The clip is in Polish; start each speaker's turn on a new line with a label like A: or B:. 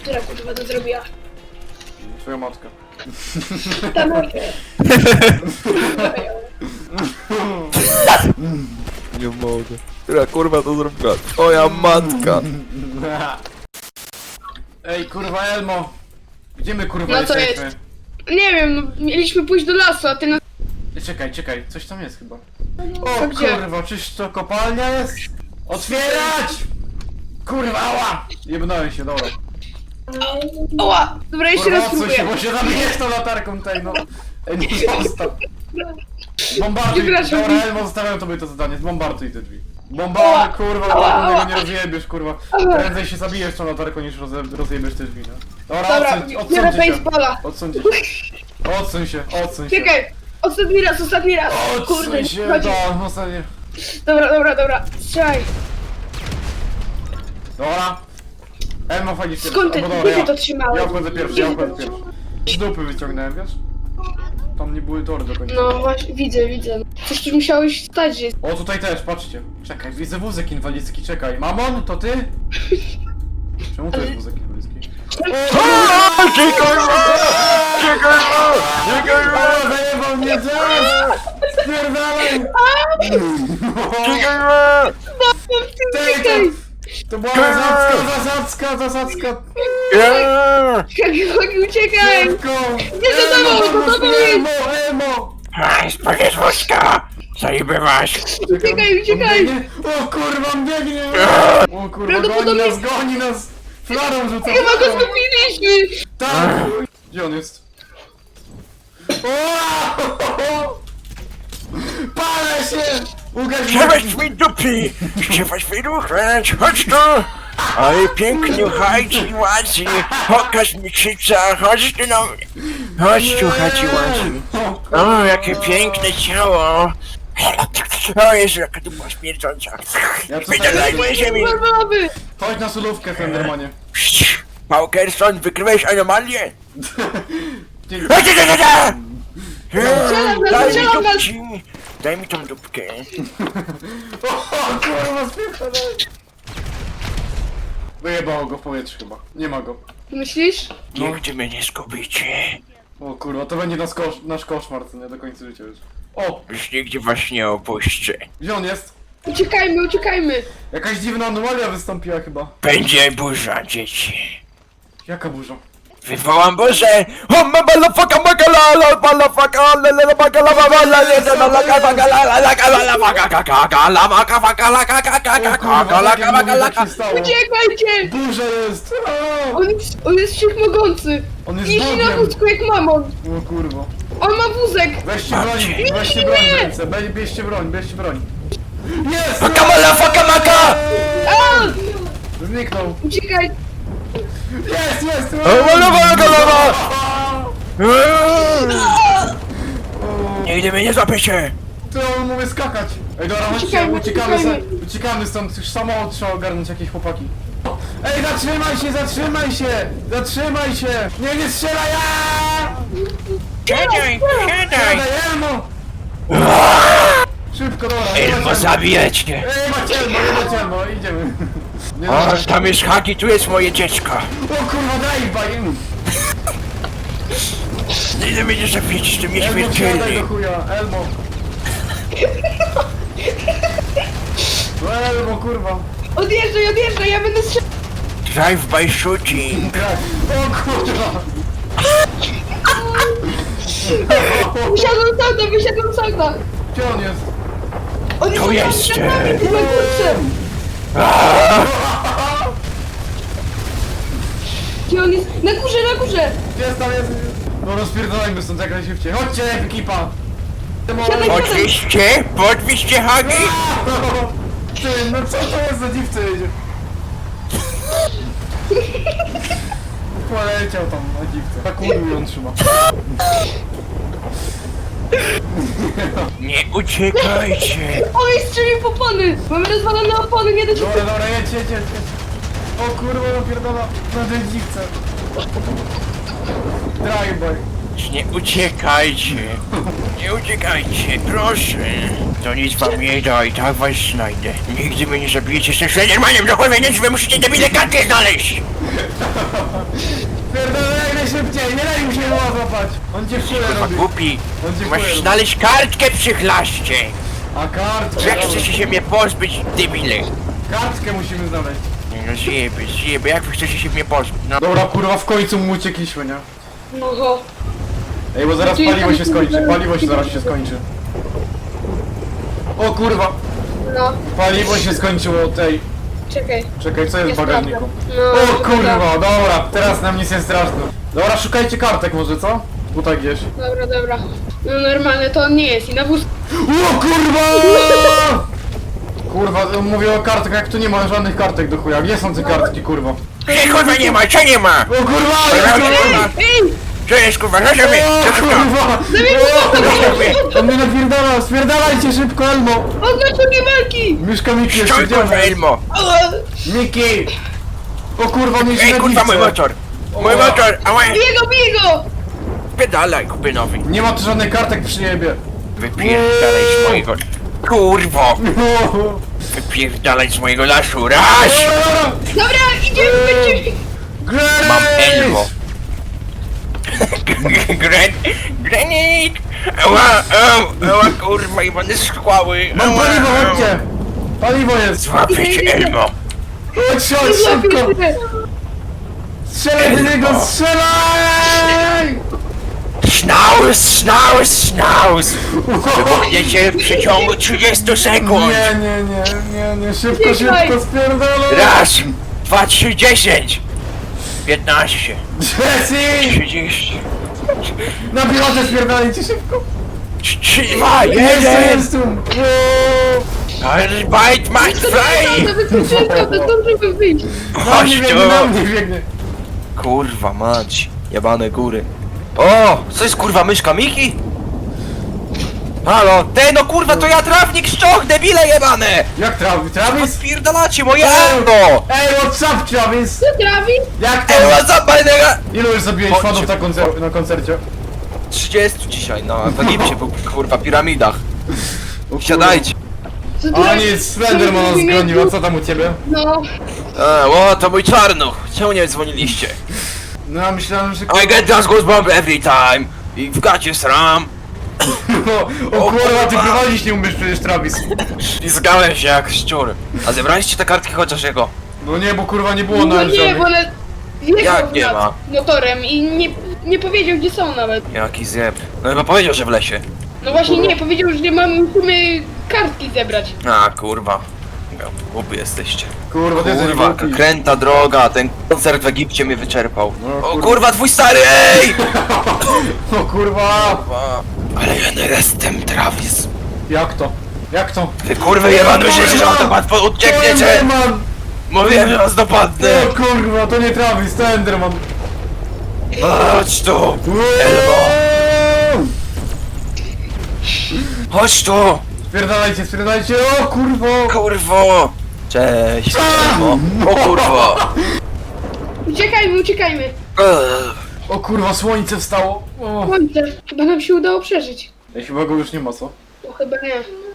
A: Która kurwa to zrobiła?
B: Twoja matka.
A: Ta moja.
C: Nie mogę. Która kurwa to zrobiła? Twoja matka.
B: Ej, kurwa Elmo! Gdzie my kurwa
A: No to
B: jesteśmy?
A: jest. Nie wiem, no, mieliśmy pójść do lasu, a ty na...
B: Czekaj, coś tam jest chyba.
A: To
B: O
A: gdzie?
B: kurwa, czyż to kopalnia jest? Otwierać! Kurwa, ała! Jebnąłem się, dobra.
A: Oła! Dobra, jeszcze
B: Kurwa,
A: raz
B: odsuń się,
A: próbuję.
B: bo się zabijesz tą latarką tej, no. Ej, nie zostaw. Bombarduj,
A: Przepraszam.
B: dobra, Elmo, zostawiam tobie to zadanie, zbombarduj te drzwi. Bombarduj, kurwa, latarką tego nie rozjebiesz, kurwa. Prędzej się zabijesz tą latarką niż rozjebiesz te drzwi, no. Dobra,
A: Dobra,
B: odsuńcie
A: biorę
B: się.
A: baseballa.
B: Odsuńcie się. Odsuń się.
A: Czekaj! Ostatni raz! Kurde,
B: Odsuń
A: nie
B: się,
A: chodzi.
B: no, ostatnie.
A: Dobra. Strzelaj.
B: Dobra. Elmo, fajnie się.
A: Skąd ty,
B: Albo dobra,
A: gdzie ty
B: ja.
A: to trzymałeś?
B: Ja wchodzę pierwszy, Z dupy wyciągnąłem, wiesz? Tam nie były tory do końca.
A: No właśnie, widzę. Coś tu musiałeś stać, że...
B: O, tutaj też, patrzcie. Czekaj, widzę wózek inwalidzki, czekaj. Mamon, to ty? Czemu to jest wózek inwalidzki? O, zajebał mnie zaraz! Spierdalaj!
A: Czekaj!
B: To była zasadzka!
A: Hagi, uciekaj!
B: Szybko!
A: Nie, za tobą jest!
B: Emo!
C: Spagierz wózka! Zajebywaś!
A: Uciekaj!
B: O kurwa, on biegnie! O kurwa,
A: Prawdopodobnie-
B: goni nas! Flarą rzuca!
A: Chyba go zgubiliśmy!
B: Tak! Gdzie on jest? O! Palę się! Łukasz,
C: Chciałeś mi dupy! Chciałeś mi ruchać! Chodź tu! Oj, pięknie, chodź, ładzi! Pokaż mi krzyca, chodź tu na mnie! Chodź tu, chodź, ładzi! O, jakie piękne ciało! O Jezu, jaka to była śmierdząca!
B: Ja tutaj-
C: Wydalaj moje ziemi!
A: Mamy!
B: Chodź na solówkę, Fendermanie.
C: Paukerson, wykryłeś anomalię?
B: Dzień-
C: Daj mi
A: strzelam nas!
C: dupci! Daj mi tą dupkę!
B: O kurwa, spierdalaj! Wyjebało go w powietrze chyba. Nie ma go.
A: Myślisz?
C: Nigdy mnie nie zgubicie!
B: O kurwa, to będzie nasz koszmar, co nie do końca życia już. O!
C: Już nigdy was nie opuszczę!
B: Gdzie on jest?
A: Uciekajmy!
B: Jakaś dziwna anomalia wystąpiła chyba.
C: Będzie burza, dzieci!
B: Jaka burza?
C: Wywołam burzę! O, motherfucker, magalala, motherfucker, lalala, magalala,
B: Co się stało?
A: Uciekajcie!
B: Burza jest! A!
A: On jest wszechmogący!
B: On jest
A: Jeździ na
B: Bogiem!
A: wózku jak mamon!
B: O kurwa.
A: On ma wózek!
B: Weźcie broń w ręce, bierzcie broń. Jest!
C: Maka!
A: A!
B: Zniknął.
A: Uciekaj!
B: Jest!
C: Nigdy mnie nie złapiecie!
B: Ty, on mówi skakać. Ej, dobra, chodźcie, uciekamy stąd. Już samochód trzeba ogarnąć, jakieś chłopaki. Ej, zatrzymaj się! Nie strzelaj!
C: Siadaj!
B: Siadaj, Elmo! Szybko, dobra.
C: Elmo, zabijać cię!
B: Ej, macie Elmo, idziemy. Nie,
C: O,
B: dobra.
C: tam jest Hagi, tu jest moje dziecko!
B: O kurwa, daj im!
C: Nigdy mnie nie zabijecie z tym
B: Elmo, siadaj
C: nieśmiertelnym!
B: do chuja, Elmo. No Elmo, kurwa.
A: Odjeżdżaj, ja będę strzelał!
C: Drive-by shooting!
B: O kurwa.
A: Wysiadłem z auta!
B: Gdzie on jest?
A: On
C: Tu jest!
A: na górce! Gdzie on jest? Na górze!
B: Jest tam, jest. No rozpierdolajmy stąd jak najszybciej. Chodźcie, ekipa.
A: Siadaj.
C: Podwieźcie Hagi!
B: Ty, no co to jest za dziwcy jedzie? Poleciał tam na dziwce. Tak kurwa ją trzyma.
C: Nie uciekajcie!
A: On jest strzelił w opony! Mamy rozwalone opony, nie do ciebie!
B: Dobra, jedź. O kurwa, napierdala na tej dziwce. Drive-by.
C: Nie uciekajcie! Nie uciekajcie, proszę! To nic wam nie da i tak was znajdę. Nigdy mnie nie zabijecie, jestem Slendermanem, do chuj, więc wy musicie debile karty znaleźć!
B: Pierdolę najszybciej, nie daj mu się złapać. On cię w kulę
C: Kurwa
B: robi.
C: głupi.
B: On cię w
C: Masz
B: kulę
C: znaleźć kartkę przy chlaście.
B: A kartkę.
C: Jak chcecie się mnie pozbyć, debile?
B: Kartkę musimy znaleźć.
C: No zjeby, jak wy chcecie się mnie pozbyć? No.
B: Dobra, kurwa, w końcu mu uciekliśmy, nie?
A: No ho.
B: Ej, bo zaraz
A: Czyli
B: paliwo
A: tam-
B: się skończy, paliwo się zaraz się skończy. O kurwa,
A: No,
B: paliwo się skończyło tej.
A: czekaj.
B: Czekaj, co jest w
A: Jest
B: bagażniku?
A: prawda. No,
B: O kurwa, dobra, teraz nam nic nie straszne. Dobra, szukajcie kartek może, co? Tutaj gdzieś.
A: Dobra. No normalne to on nie jest i na wóz...
B: O kurwa! Kurwa, mówię o kartkach, jak tu nie ma żadnych kartek do chuja. Gdzie są te kartki, kurwa?
C: Ej, kurwa nie ma, co nie ma?
B: O kurwa!
A: Ej!
C: Co jest kurwa, co sobie?
B: O kurwa! On mnie napierdala, spierdalajcie szybko, Elmo!
A: Oznaczenie walki!
B: Mieszka Miki jeszcze,
C: Stój
B: gdzie
C: kurwa
B: on jest?
C: Elmo.
B: Miki! O kurwa, mnie się
C: Ej kurwa mój motor. Mój motor, ała.
A: Bij go!
C: Pedalaj kupynowi.
B: Nie ma tu żadnych kartek przy niebie.
C: Wypierdalaj z mojego... Kurwo! Wypierdalaj z mojego lasu, raz!
A: Dobra, idziemy, będziemy...
C: Mam Elmo. Granit! Ała kurwa i będę skłały.
B: Mam paliwo, chodźcie! Paliwo jest!
C: Złapię cię Elmo.
B: Chodź, szybko! Strzelaj do niego, strzelaj!
C: Schnauz! Wybuchniecie w przeciągu 30 sekund.
B: Nie, szybko, spierdolę!
C: Raz, 2, 3, 10. 15,
B: Jesse!
C: 30,
B: Na pilotę spierdalajcie szybko!
C: 3, 2,
B: Jest
C: 1.
B: tu!
C: Arbeit macht frei!
A: To wykluczyłem to zdążymy wyjść.
B: Na mnie
C: Chodź
B: biegnie, na
C: tu!
B: mnie biegnie!
C: Kurwa mać, jebane góry. O, co jest kurwa myszka Miki? Halo, no kurwa to ja trawnik szczoch, debile jebane!
B: Jak Travis?
C: Spierdalacie moje
B: Ej!
C: auto!
B: Ej, what's up, Travis?
A: Co trawi?
B: Jak to?
C: Ej, what's up, my nigga?
B: Ilu już zabiłeś
C: Chodźcie.
B: fanów na koncercie?
C: 30 dzisiaj, no, w Egipcie był kurwa piramidach.
B: O kurwa.
C: Siadajcie.
A: Co
B: A nic, Slenderman nas zgonił, a co tam u ciebie?
A: No,
C: O, to mój czarnuch. Czemu nie dzwoniliście?
B: No ja myślałem, że...
C: I get those goosebumps every time. I w gacie sram.
B: O kurwa, ty prowadzić nie umiesz przecież, Travis.
C: I zgałem się jak szczur. A zebraliście te kartki chociaż jego?
B: No nie, bo kurwa nie było
A: no
B: nawet
A: nie,
B: żadnych.
A: bo one... Jechał
C: Jak nie
A: nad
C: ma?
A: motorem i nie powiedział gdzie są nawet.
C: Jaki zjeb. No chyba powiedział, że w lesie.
A: No właśnie nie, powiedział, że musimy kartki zebrać.
C: A kurwa. Głupi jesteście.
B: Kurwa, ty jesteś
C: Kurwa,
B: głupi.
C: kręta droga, ten koncert w Egipcie mnie wyczerpał.
B: No,
C: O
B: kurwa.
C: kurwa, twój stary, ej!
B: O kurwa!
C: Ale ja nie jestem Travis.
B: Jak to? Jak to?
C: Wy kurwy jebany myślicie, że on to łatwo uciekniecie!
B: Enderman!
C: Mówiłem, że was dopadnę!
B: O kurwa, to nie Travis, to Enderman.
C: Chodź tu! Chodź tu!
B: Spierdalajcie, o kurwo!
C: Kurwo! Cześć! Elmo. O kurwo!
A: Uciekajmy.
B: O kurwa, słońce wstało. O.
A: Słońce. Chyba nam się udało przeżyć.
B: Ej, chyba go już nie ma, co?
A: No chyba nie.